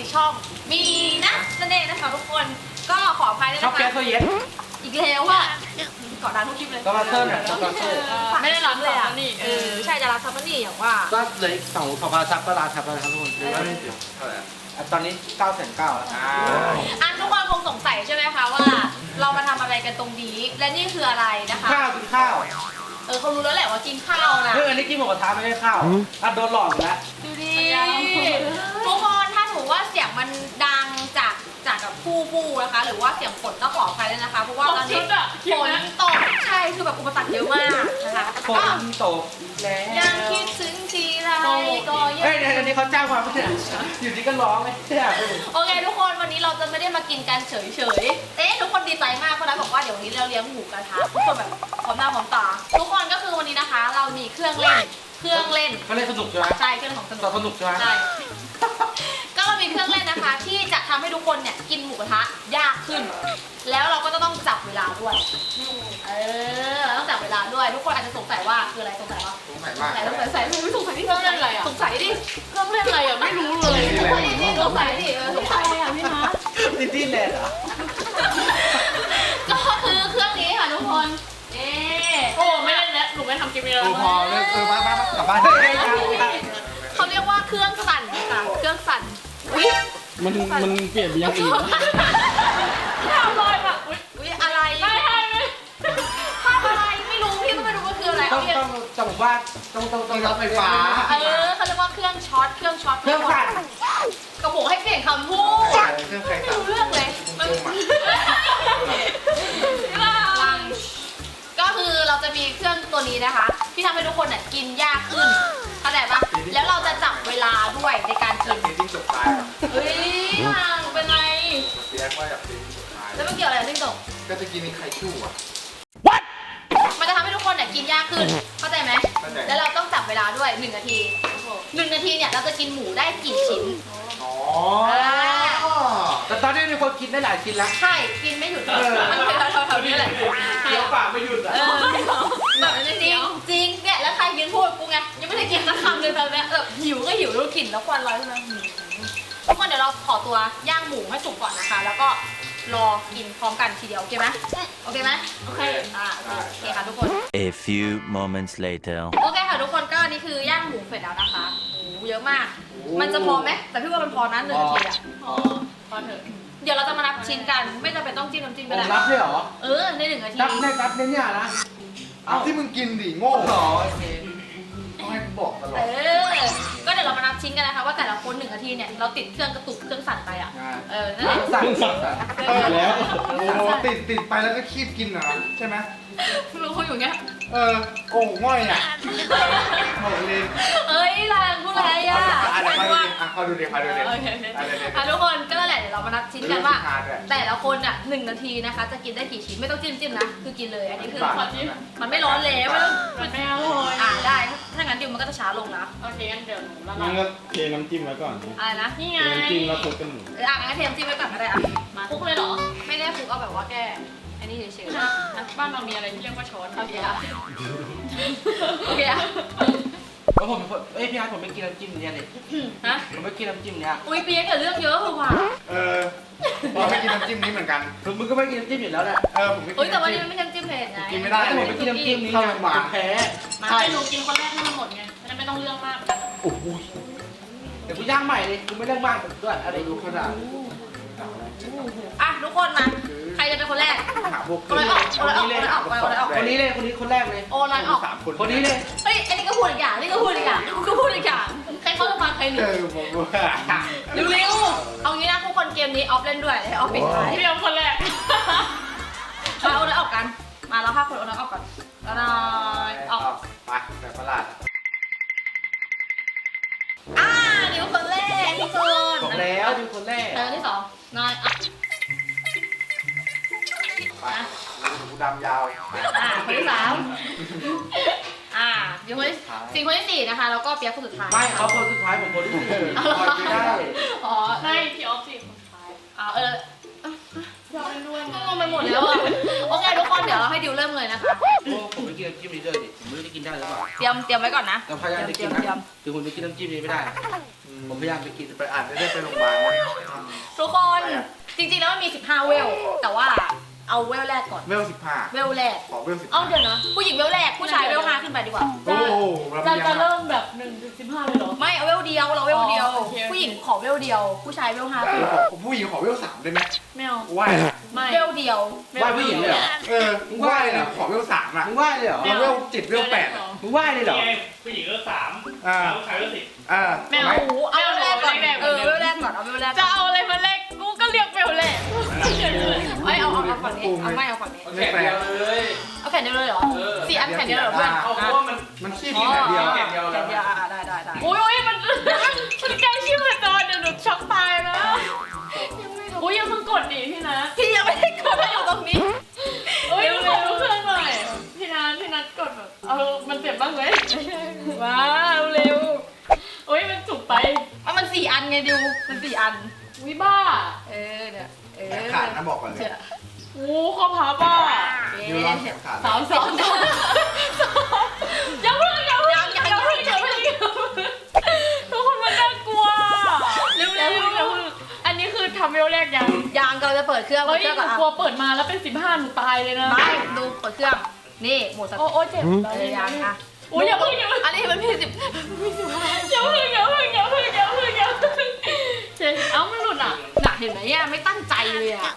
ช่องมีนะนั่นเองนะคะทุกคนก็ขออภัยด้วยชอบนะแก๊สคะโซเย็นอีกแล้วว่าเกาะดังทุกคลิปเลยก็มาเทิร์นอ่ะก็มาเทิร์นไม่ได้รับเลยอ่ะใช่จะรับซับนี่อย่างว่าก็เหลืออีก2,000ซับก็ลาซับแล้วนะครับทุกคนหรือว่าตอนนี้9,900แล้วอันทุกคนคงสงสัยใช่ไหมคะว่าเรามาทำอะไรกันตรงนี้และนี่คืออะไรนะคะข้าวกินข้าวเขารู้แล้วแหละว่ากินข้าวนะเฮ้ยอันนี้กินหมูกระทะไม่ได้ข้าวอ่ะโดนหลอกแล้วดูดิทุกคนถ้าถือว่าเสียงมันดังจากกับผู้นะคะหรือว่าเสียงฝนก็ขออภัยด้วยนะคะเพราะว่าตอนนี้ฝนตกใช่คือแบบอุปสรรคเยอะมากนะคะฝนตกแล้วยังคิดถึงทีไรก็ยังเฮ้ยอันนี้เขาจ้างมาไม่ใช่อยู่ดีก็ร้องไม่ใช่โอเคทุกคนวันนี้เราจะไม่ได้มากินกันเฉยๆทุกคนดีใจมากเพราะนั้นบอกว่าเดี๋ยววันนี้เราเลี้ยงหมูกระทะทุกคนแบบพร้อมหน้าพร้อมตาทุกคนก็คือวันนี้นะคะ เรามีเครื่องเล่นเขาเล่นสนุกใช่ไหมใช่เครื่องของสนุกสนุกใช่ไหมใช่ก็เรามีเครื่องเล่นนะคะ ที่จะทำให้ทุกคนเนี่ยกินหมูกระทะยากขึ้น แล้วเราก็จะต้องจับเวลาด้วยเราต้องจับเวลาด้วย ทุกคนอาจจะสงสัยว่าคืออะไรสงสัยว่าสงสัยมากสงสัยไม่สงสัยที่เครื่องเล่นอะไรอ่ะสงสัยดิเครื่องเล่นอะไรอ่ะไม่รู้เลยสงสัยดิสงสัยดิสงสัยอ่ะพี่นะดิสนีย์แลนด์เหรอก็คือเครื่องนี้ค่ะทุกคนโอ้ไม่เล่นแล้วหนูไม่ทำคลิปนี้แล้วพอเลิกมากลับบ้านเขาเรียกว่าเครื่องสั่นค่ะเครื่องสั่นมันเปลี่ยนไปอย่างอื่นทำลอยแบบอุ๊ยอะไรไม่ภาพอะไรไม่รู้พี่ก็ไม่รู้ว่าคืออะไรต้องว่าต้องรับไฟฟ้าเขาเรียกว่าเครื่องช็อตเครื่องสั่นกระโปงให้เปลี่ยนคำพูดเครื่องใครไม่สั่งรู้เรื่องเลยก็คือเราจะมีเครื่องตัวนี้นะคะ ที่ทำให้ทุกคนเนี่ยกินยากขึ้นเข้าใจปะแล้วเราจะจับเวลาด้วยในการกินตีจิ้งจกตายเฮ้ยห่างเป็นไรเรียกว่าอยากตีจิ้งจกตายแล้วมันเกี่ยวอะไรกับจิ้งจกก็จะกินไข่ชู่อ่ะมันจะทำให้ทุกคนเนี่ยกินยากขึ้น เข้าใจไหมเข้าใจแล้วเราต้องจับเวลาด้วย1 นาที1 นาทีเนี่ยเราจะกินหมูได้กี่ชิ้นอ๋อแต่ตอนนี้มีคนกินได้หลายชิ้นแล้วใช่ กินไม่หยุดมันเป็นแถวๆนี้แหละเคี้ยวปากไม่หยุดอ่ะแบบจริงจริงเนี่ยแล้วใครยืนพูดกูไงยังไม่ได้กินสักคำเลยตอนนี้หิวก็หิวแล้วกลิ่นแล้วควันลอยขึ้นมาทุกคนเดี๋ยวเราขอตัวย่างหมูให้สุกก่อนนะคะ แล้วก็รอกินพร้อมกันทีเดียวโอเคไหมโอเคไหมโอเคโอเคค่ะทุกคน A few moments later โอเคค่ะทุกคนก็นี่คือย่างหมูเสร็จแล้วนะคะโอ้เยอะมาก มันจะพอไหมแต่พี่ว่ามันพอนะ1 นาทีอ่ะพอเถอะเดี๋ยวเราจะมานับชิ้นกันไม่จำเป็นต้องจิ้มน้ำจิ้มก็ได้รับด้วยเหรอใน1 นาทีนับเนี่ยนะเอาที่มึงกินดิโง่หรอโอเคต้องให้กูบอกตลอดก็เดี๋ยวเรามานับชิ้นกันนะคะว่าแต่ละคน1 นาทีเนี่ยเราติดเครื่องกระตุกเครื่องสั่นไปอ่ะนั่นแหละสั่งแล้วโอ้ติดไปแล้วก็คีบกินเหรอใช่ไหมรู้เขาอยู่เงี้ยโอ้ง่อยอ่ะโง่เลยเอ้ยลางพูดอะไรอ่ะเขาดูดิเขาดูดิโอเคทุกคนก็นั่นแหละเดี๋ยวเรามานับชิ้นกันว่า แต่ละคนอ่ะ1 นาทีนะคะจะกินได้กี่ชิ้นไม่ต้องจิ้มนะคือกินเลยอันนี้คือมันไม่ร้อนแล้วมันไม่อร่อยได้ถ้างั้นดิวมันก็จะช้าลงนะโอเคงั้นเดี๋ยวหนูละงั้นก็เทน้ำจิ้มไว้ก่อนอะไรนะนี่ไงเทน้ำจิ้มแล้วคลุกกันหมูงั้นเทมจิ้มไว้ก่อนก็ได้มาคลุกเลยเหรอไม่ได้คลุกเอาแบบว่าแก้อันนี้เฉยๆบ้านเรามีอะไรที่เรียกว่าช้อนโอเคอะโอเคอะแล้วผมเป็นคนพี่อาร์ตผมไม่กินน้ำจิ้มเนี่ยเลยฮะผมไม่กินน้ำจิ้มเนี่ยอุ้ยเปียกเกิดเรื่องเยอะคือว่ะเราไม่กินน้ำจิ้มนี้เหมือนกันมึงก็ไม่กินน้ำจิ้มอยู่แล้วแหละผมไม่กินเฮ้ยแต่วันนี้มันไม่ใช่จิ้มเผ็ดไงกินไม่ได้ผมไม่กินน้ำจิ้มนี้ผมแพ้มาให้หนูกินคนแรกให้มันหมดไงจะไม่ต้องเรื่องมากโอ้โหเดี๋ยวกูย่างใหม่เลยกูไม่เรื่องมากด้วยอะไรดูขนาดอ่ะทุกคนมาใครจะเป็นคนแรกหาพวกคนไหนออกคนนี้เลยคนแรกเลยโอนอยออก 3 คนคนนี้เลยเฮ้ยอันนี้ก็พูดอีกอย่างนี่ก็พูดอีกอย่างกูก็พูดอีกอย่างใครเขาจะฟังใครหนีผมว่าเร็วๆเอางี้นะทุกคนเกมนี้ออฟเล่นด้วยให้ออฟปิดท้ายพี่ออฟคนแรกมาเอาเลยออกกันมาเรา5 คนเอาเลยออกก่อนแล้วนายออกไปแบบประหลาดนิ้วคนแรกทุกคนบอกแล้วดูคนแรกที่2นายอ่ะไปหูดำยาวคนที่3เดี๋ยวคนที่คนที่4นะคะแล้วก็เปียกคนสุดท้ายไม่เขาคนสุดท้ายผมคนที่4ไม่ได้อ๋อใช่พี่ออฟ4 คนสุดท้ายยอมเล่นด้วยมั้งงไปหมดแล้วอะโอเคทุกคนเดี๋ยวเราให้ดิวเริ่มเลยนะคะโอ้ผมไม่กินน้ำจิ้มนี้เลยดิผมไม่รู้จะกินได้หรือเปล่าเตรียมไว้ก่อนนะเราพยายามจะกินนะคือคุณจะกินน้ำจิ้มนี้ไม่ได้ผมพยายามจะกินไปอ่านได้ไปโรงพยาบาลนะทุกคนจริงๆแล้วมันมี15เวลแต่ว่าเอาเวลแรกก่อนเวล15 เวลแรกขอเวล15 เอาเดี๋ยวนะผู้หญิงเวลแรกผู้ชายเวล5ขึ้นไปดีกว่าโอ้โหจะเริ่มแบบ1 ถึง 15เลยเหรอไม่เอาเวลเดียวเราเวลเดียวอ๋อโอเคผู้หญิงขอเวลเดียว ผู้ชายเวล5ขึ้นผมผู้หญิงขอเวล3ได้ไหมไม่เอาไหว้ไม่เวลเดียวไหว้ผู้หญิงเลยเหรอไหว้นะขอเวล3อ่ะมึงไหว้เลยเหรอเวล7เวล8อ่ะมึงไหว้เลยเหรอผู้หญิงก็3 อ่าผู้ชายก็10 ไม่เอาเอาเวลแรกก่อนเวลแรกก่อนเอาเวลแรกจะเอาอะไรมาเล็กกูก็เรียกเบลแหละไม่เอาฝั่งนี้เอาไม่เอาฝั่งนี้แข่งเดียวเลยเอาแผ่นเดียวเลยเหรอ4 อันแผ่นเดียวเหรอเพื่อนเอาเพราะว่ามันขี้มีแบบเดียวแข่งเดียวแผ่นเดียวได้โอ้ยมันใกล้ชิบเลยตอนเดี๋ยวหนูช็อกตายนะอุ้ยยังเพิ่งกดดิพี่นะพี่ยังไม่ได้กดให้อยู่ตรงนี้เอ้ยขอดูเครื่องหน่อยพี่นัทกดแบบมันเจ็บบ้างไหมว้าวเร็วโอ้ยมันจุกไปมัน4 อันไงดิวมัน4 อันวิบ้าเนี่ยขาดนะบอกก่อนเลยโอ้ข้อพับอ่ะยูรอนแขนขาด 3 2อย่าเพิ่งทุกคนมันน่ากลัวเร็วอันนี้คือทำเวลแรกยังยางเราจะเปิดเครื่องเฮ้ยเครื่องหก่นูอนกลัวเปิดมาแล้วเป็น15หนูตายเลยนะไม่ดูเปิดเครื่องนี่หมดสโอ้เจ็บยางนะโอ้ยอย่าเพิ่งอันนี้มันพี่10 อย่าเพิ่งเจ๊เอ้ามันหลุดอ่ะน่ะเห็นไหมอ่ะไม่ตั้งใจเลยอ่ะ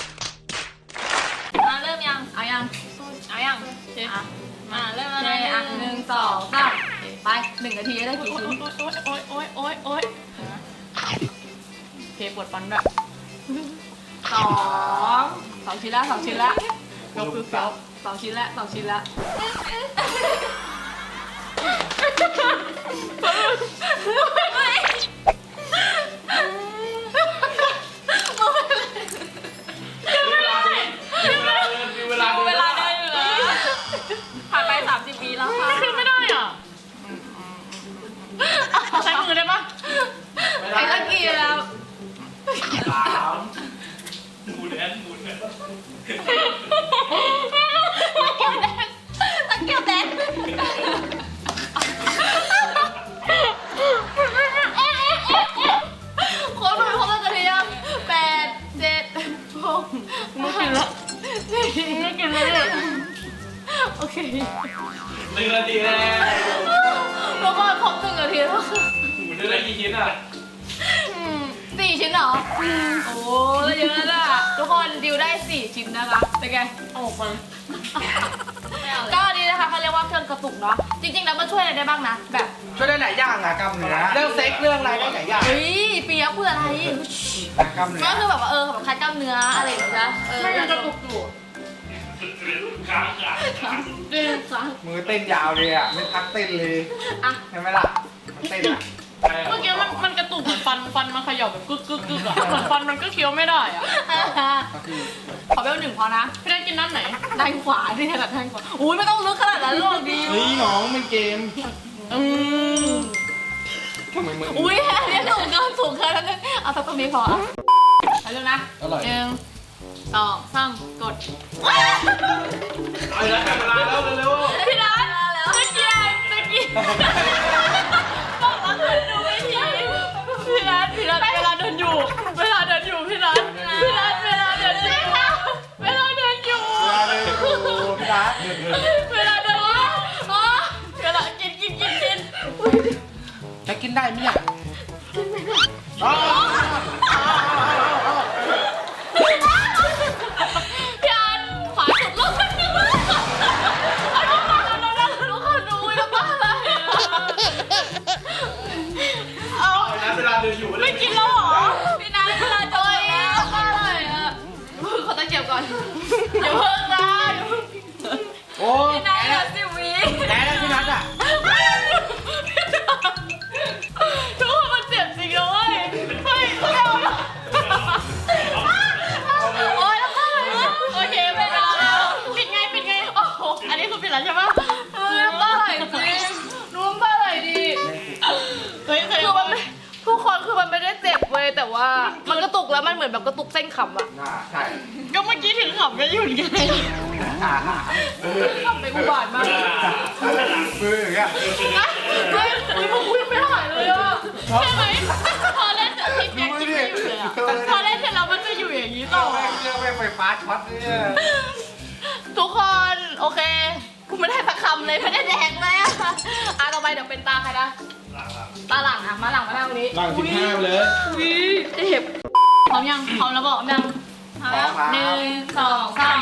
เริ่มยังเอายังเจ๊เริ่มมาแล้วเริ่ม 1 2 3ไป1 นาทีได้กี่ชิ้นโอ๊ยเพปวดฟันแบบ 2 ชิ้นละ2 ชิ้นละยกคือเฟี้ยว2 ชิ้นละ2 ชิ้นละเวลาเวลาได้อยู่นะผ่านไป30 ปีแล้วค่ะขึ้นไม่ได้อ่ะใช้มือได้ปะไอ้ตะกี้แล้วหมุนแอนหมุนแอนตะเกียบแดงโค้ดครบแล้วจะเรียง8 7 6 ไม่กินละไม่กินเลยโอเค 1 นาทีแล้วแล้วก็ครบ1 นาทีแล้วหมุนได้กี่ชิ้นอ่ะ 4 ชิ้นเหรอโอ้เยอะแล้วล่ะทุกคนดิวได้4 ชิ้นนะคะเป็นไงออกมาก็อันนี้นะคะเขาเรียกว่าเครื่องกระตุกเนาะจริงๆแล้วมันช่วยอะไรได้บ้างนะแบบช่วยได้หลายอย่างอะกล้ามเนื้อเรื่องเซ็กเรื่องอะไรได้หลายอย่างเฮ้ยเปียกเพื่ออะไรกล้ามเนื้อก็คือแบบว่าแบบคลายกล้ามเนื้ออะไรอย่างเงี้ยนะไม่ยังกระตุกอยู่ค้างดึงซ้ายมือเต้นยาวเลยอ่ะไม่พักเต้นเลยอ่ะใช่ไหมล่ะมันเต้นอ่ะเมื่อกี้มันกระตุกเหมือนฟันมันเขย่าแบบกึกอ่ะเหมือนฟันมันก็เคี้ยวไม่ได้อ่ะก็คือขอเบล1พอนะพี่ได้กินน้ำไหนด้านขวาที่ถนัดด้านขวาอุ้ยไม่ต้องลึกขนาดนั้นหรอกดิเฮ้ยน้องมันเกมทำไมมืออุ้ยอันนี้สูงเกินนั้นนึงเอาสักตรงนี้พอเอาเร็วนะอร่อย 1 2 3กดเอาละเวลาแล้วเร็วพี่นัทตะเกียบบอกว่าเคยดูไม่ทีพี่นัทเวลาเดินอยู่พี่นัทเวลาเดินอยู่เวลาเลยดูพี่รักเวลาเดินอ๋อเวลากินจะกินได้ไหมเนี่ยพี่อันขวาสุดลูกคนนึงเอาลูกมาแล้วลูกคนดูแล้วบ้าอะไรเอาๆนะเวลาเดินอยู่ไม่กินแล้วเหรอพี่นัทเวลาจอยแล้วบ้าอะไรอ่ะขอตะเกียบก่อนอย่าเพิ่งนะโอ้พี่นัทเหลือ10 วิแพ้แล้วพี่นัทอ่ะทุกคนมันเจ็บจริงเลยเฮ้ยไม่เอาแล้วโอ๊ยแล้วบ้าอะไรอ่ะโอเคไปแล้วปิดไงโอ้โหอันนี้คือปิดแล้วใช่ปะบ้าอะไรจริงรู้บ้าอะไรดีเฮ้ยเคยคือมันทุกคนคือมันไม่ได้เจ็บเว้ยแต่ว่าว่ามันกระตุกแล้วมันเหมือนแบบกระตุกเส้นขำอะน่าใช่ก็เมื่อกี้ถึงขำก็หยุดไงขำไปอุบาทมากมืออย่างเงี้ยนะเฮ้ยพวกกูยังไม่หายเลยอ่ะใช่ไหมพอเล่นเสร็จพี่เปียกกินไม่อยู่เลยอ่ะพอเล่นเสร็จแล้วมันจะอยู่อย่างนี้ต่อเครื่องไฟฟ้าช็อตเนี่ยทุกคนโอเคกูไม่ได้สักคำเลยไม่ได้แดงเลยอะต่อไปเดี๋ยวเป็นตาใครนะตาหลังอะมาหลังมาหน้าวันนี้ล่าง15ไปเลยวิเจ็บพร้อมยังพร้อมแล้วบอกยัง1 2 3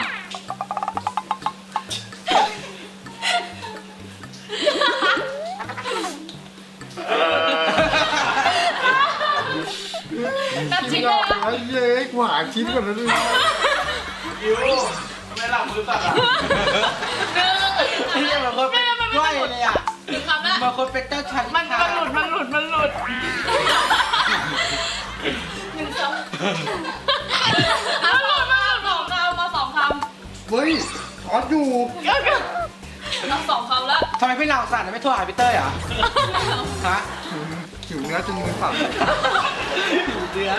ตัดชิ้นเลยนะไอ้เย้ยกูหาชิ้นก่อนนะด้วยคิวไม่หลับมือสั่นอ่ะนี่มันคนเป็นกล้วยเลยอ่ะถึงคำแล้วมันคนเป็นเจ้าชายมันหลุด1 2 เอาหลุดมา2 คำมา2 คำเฮ้ยช็อตอยู่เอา2 คำแล้วทำไมพี่เหล่าสั่นไม่โทรหาพี่เต้ยเหรอฮะหิวเนื้อจนมือสั่นเดือ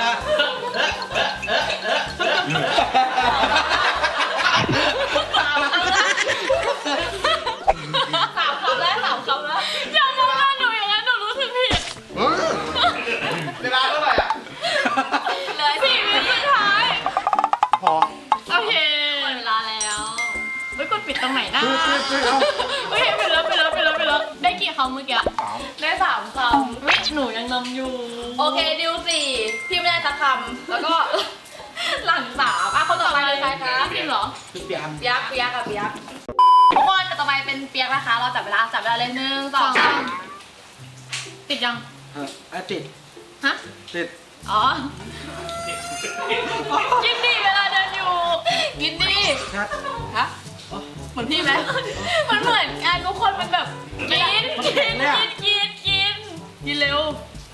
3 คำแล้ว3 คำแล้วอย่ามองหน้าหนูอย่างนั้นหนูรู้สึกผิดเฮ้ยเวลาเท่าไหร่อ่ะเหลือ4 วิสุดท้ายพอโอเคหมดเวลาแล้วไม่กดปิดตรงไหนนะเฮ้ยเอาโอเคไปแล้วได้กี่คำเมื่อกี้ได้3 ควิหนูยังนำอยู่ำโอเคดิว4พี่ไม่ได้สักคำแล้วก็ หลัง3อ่ะคนต่อไปเลยใครคะพี่เหรอพี่เปียมเปียกกับเปียกทุกคนต่อไปเป็นเปียกนะคะ เราจับเวลาเลย1 2 3 ติดยังติดฮะติดอ๋อ กินดีเวลาเดินอยู่กินดิชัดฮะเหมือนพี่ไหมมันเหมือนกันทุกคนมันแบบกินเร็ว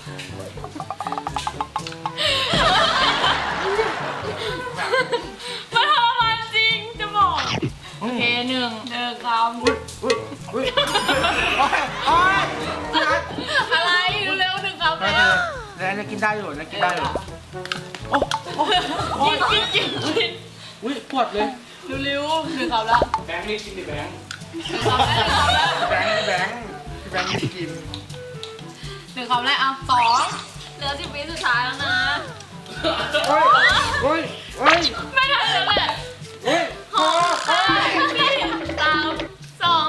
มันทรมานจริงจะบอก โอเคหนึ่งคำอุ้ยโอ้ยโอ้ยชัดอะไรเร็ว1 คำแล้วแล้วจะกินได้อยู่นะกินได้อยู่โอ้โอ้กินอุ้ยปวดเลยเร็ว1 คำแล้วแบงค์นี่กินดิแบงค์ 1 คำแล้วแบงค์พี่แบงค์ไม่กิน 1 คำแล้วเอา2เหลือ10 วิสุดท้ายแล้วนะเฮ้ยเฮ้ยเฮ้ยไม่ทันแล้วแหละเฮ้ยหก4 3 2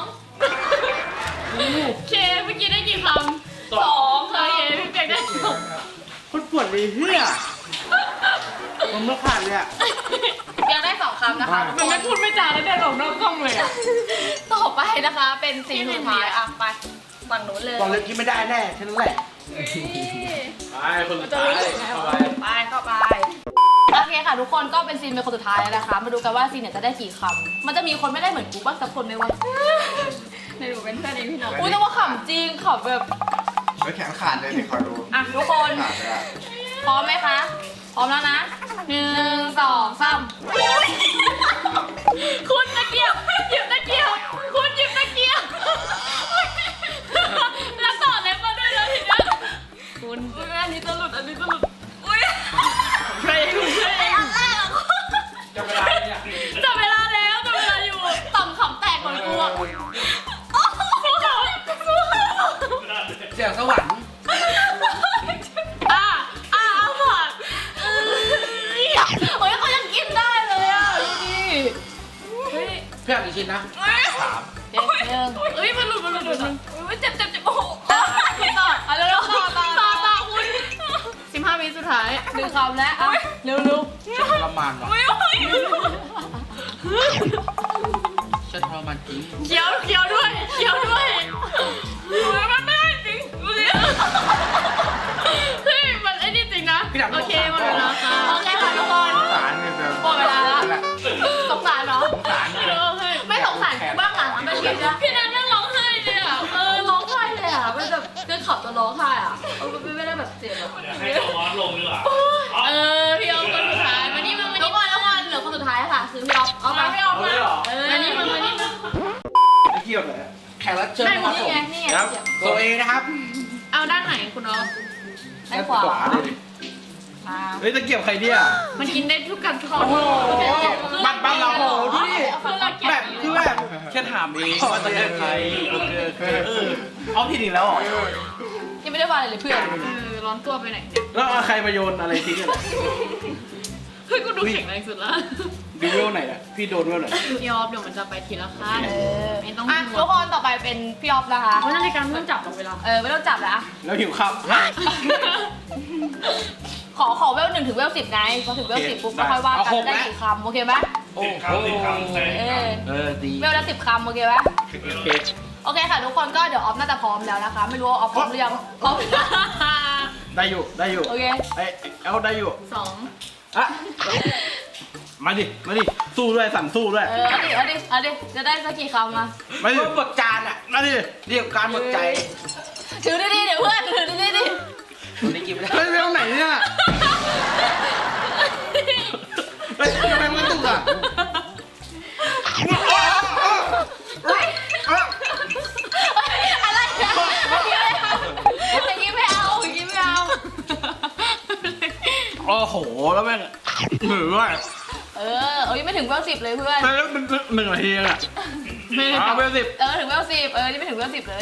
เคเมื่อกี้ได้กี่คำ2โอเคพี่เปียกได้2 คนปวดเลยเฮียมันไม่ขาดเลยอ่ะยังได้2 คำนะคะมันไม่พูดไม่จาแล้วเดินออกนอกกล้องเลยอ่ะต่อไปนะคะเป็นสีสุดท้ายอ่ะไปฝั่งนู้นเลยตอนเล็กกินไม่ได้แน่แค่นั้นแหละไปคนสุดท้ายเข้าไปเข้าไปโอเคค่ะทุกคนก็เป็นซีนเป็นคนสุดท้ายแล้วนะคะ มาดูกันว่าซีนเนี่ยจะได้กี่คำมันจะมีคนไม่ได้เหมือนกูบ้างสักคนไหมวะในหนูเป็นเพื่อนเองพี่น้องอุ้ยแต่ว่าขำจริงขำแบบไม่แขนขาดเลยเดี๋ยวขอดูอ่ะทุกคนขาดเลยอะพร้อมไหมคะพร้อมแล้วนะ1 2 3 คุณตะเกียบหยิบตะเกียบคุณหยิบตะเกียบแล้วต่อเล็บมาด้วยแล้วทีเนี้ยคุณอันนี้จะหลุดอุ้ยเพลงอันแรกอะจะเวลาเนี่ยจับเวลาแล้วจับเวลาอยู่ต่ำขำแตกเหมือนกูอะเสียงสวรรค์เอาผ่านโอ้ยเขายังกินได้เลยอะดูดิเฮ้ยพี่อยากกี่ชิ้นนะเจ็บหนึ่งเอ้ยมันหลุดเจ็บโอ้โหต่อเอาเร็วๆต่อคุณ15 วิสุดท้าย 1 คำแล้วเอาเร็วฉันทรมานว่ะอุ้ยฉันทรมานจริงเคี้ยวด้วยมันไม่ได้จริงดูสิเฮ้ยมันไอ้นี่จริงนะโอเคหมดเวลาค่ะๆโอเคค่ะทุกคนสารเนี่ยแบบหมดเวลาแล้วสงสารเหรอสารเนี่ยไม่สงสารกูบ้างหลังไม่คิดนะพี่นัทนั่งร้องไห้เลยอ่ะร้องไห้เลยอ่ะมันแบบเดินขับจนร้องไห้อ่ะไม่ได้แบบเจ็บแบบให้ตัวมอสลงดีกว่าพี่ออฟคนสุดท้ายมานี่มาทุกคนเหลือคนสุดท้ายค่ะคือพี่ออฟเอาไปพี่ออฟเอาเลยเหรอมานี่มาไม่เกี่ยวเลยแขกรับเชิญไม่นะครับนี่ผมไงนี่ไงตัวเองนะครับเอาด้านไหนคุณออฟด้านขวาเลยดิดเฮ้ยตะเกียบใครเนี่ยมันกินได้ทุกกันของบ้านเราโอ้โหดูดิแบแบบ บคือแบบแค่ถามเองว่าตะเกียบใครเอาผิดอีกแล้วเหรอยังไม่ได้วางเลยเพื่อนร้อนตัวไปไหนเนี่ยแล้วเอาใครมาโยนอะไรทิ้งกันเฮ้ยกูดูแข็งแรงสุดละดูเวลไหนอ่ะพี่โดนเวลไหนยอมเดี๋ยวมันจะไปทีละขั้นไม่ต้องอ่ะทุกคนต่อไปเป็นพี่ออฟนะคะเพราะนาฬิกาไม่ต้องจับหรอกเวลาไม่ต้องจับแล้วแล้วหิวข้าวขอเวล1 ถึงเวล 10ไงพอถึงเวล 10ปุ๊บก็ค่อยว่ากันได้กี่คำโอเคไหมโอ้โห ดีเวลละ10 คำโอเคไหมโอเคโอเคค่ะทุกคนก็เดี๋ยวออฟน่าจะพร้อมแล้วนะคะ ไม่รู้ว่าออฟพร้อมหรือยังพร้อมได้อยู่โอเคเอาได้อยู่ 2 อ่ะมาดิสู้ด้วยสั่นสู้ด้วยเอาดิจะได้สักกี่คำมามาดิหมดจานอ่ะมาดิเรียกการหมดใจถือดีๆเดี๋ยวเพื่อนถือดีๆดิได้กินไม่ได้เวลไหนเนี่ยเฮ้ยทำไมมันตุกอ่ะอะไรนะอย่างนี้ไม่เอาอย่างนี้ไม่เอาโอ้โหแล้วแม่งเหนื่อยว่ะยังไม่ถึงเวล 10เลยเพื่อนแล้วมัน1 นาทีอ่ะเวล 10 ถึงเวล 10นี่ไม่ถึงเวล 10เลย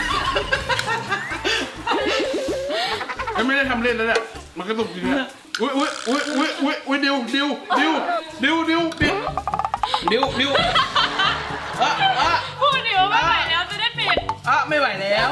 ไม่ได้ทำเล่นแล้วเนี่ยมันกระตุกจริงอ่ะอุ้ยดิวพูดดิว่าไม่ไหวแล้วจะได้ปิดไม่ไหวแล้ว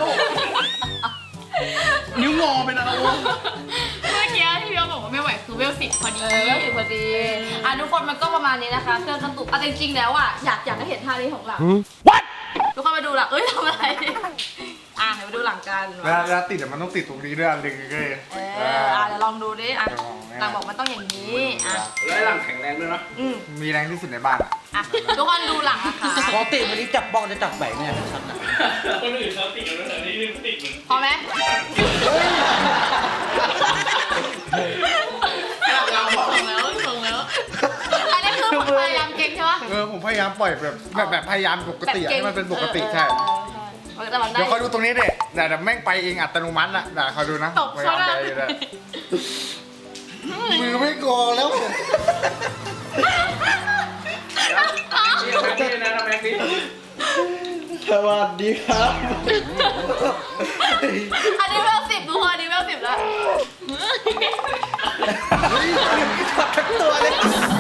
นิ้วงอเป็นอะไรเมื่อกี้ที่พี่ยอบอกว่าไม่ไหวคือเวล10พอดีเวล 10พอดีทุกคนมันก็ประมาณนี้นะคะเครื่องกระตุกจริงๆแล้วอยากให้เห็นท่านี้ของหลัง ทุกคนมาดูหลังทำอะไรเดี๋ยวมาดูหลังกันเวลาติดมันต้องติดตรงนี้ด้วยอันหนึ่งเลยเดี๋ยวลองดูดิหลังบอกมันต้องอย่างนี้แล้วหลังแข็งแรงด้วยนะมีแรงที่สุดในบ้านอ่ะทุกคนดูหลังนะคะปกติวันนี้จับบ้องจะจับแบกเนี่ยชัดนะคนอื่นเขาติดกันแล้วแต่นี่ติดเหมือนพอไหมส่งแล้วอันนี้คือพยายามเก่งใช่ปะผมพยายามปล่อยแบบพยายามปกติให้มันเป็นปกติใช่แต่มันได้เดี๋ยวคอยดูตรงนี้เด็แต่แม่งไปเองอัตโนมัติอ่ะเดี๋ยวคอยดูนะตบเขาหน้ามือไม่โกงแล้วสวัสดีครับอันนี้เวล 10ดูอันนี้เวล 10แล้วทั้งตัวเลย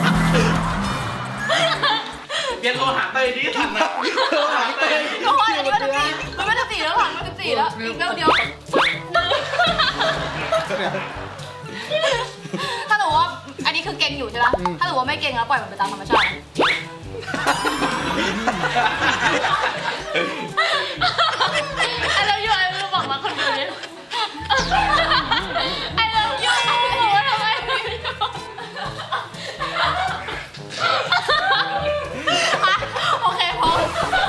เปลี่ยนโลหะเตยดีทันนะโลหะเตยทุกคนอันนี้มันไม่14แล้วหลังมัน14แล้วอีกเวลเดียวถ้าหนูว่าอันนี้คือเก่งอยู่ใช่ไหมถ้าหนูว่าไม่เก่งแล้วปล่อยมันไปตามธรรมชาติไอ้เราอยู่ไอ้เราบอกมาคนเดียวเนี่ยไอ้เราอยู่ไอ้เราบอกว่าทำไมโอเคพอ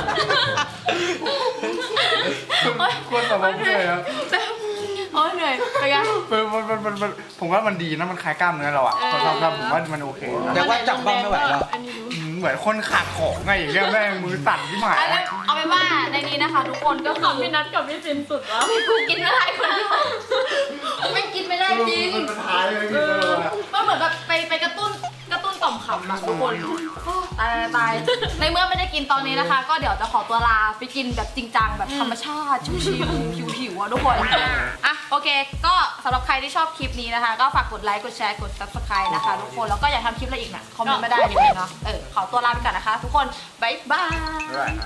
ควรสมองเลยครับโอ้ยเหนื่อยไปกันผมว่ามันดีนะมันคลายกล้ามเนื้อเราอ่ะทำผมว่ามันโอเคนะแต่ว่าจับบ้องไม่ไหวแล้วอันนี้รู้เหมือนคนขาดของไงอย่างเงี้ยแม่งมือสั่นที่หมายเอาเป็นว่าในนี้นะคะ ทุกคนก็ของพี่นัทกับพี่จินสุดแล้วกูกินไม่ได้คนเดียวไม่กินไม่ได้จริงมันท้ายเลยมันเหมือนแบบไปกระตุ้นต่อมขำอะทุกคนตายในเมื่อไม่ได้กินตอนนี้นะคะ ก็เดี๋ยวจะขอตัวลาไปกินแบบจริงจังแบบธรรมชาติชิวๆผิวๆอะทุกคนโอเคก็สำหรับใครที่ชอบคลิปนี้นะคะ ก็ฝากกดไลค์กดแชร์กด subscribe นะคะทุกคนแล้วก็อยากทำคลิปอะไรอีกนะคอมเมนต์มาได้เลยเนาะขอตัวลาไปก่อนนะคะ ทุกคนบ๊ายบาย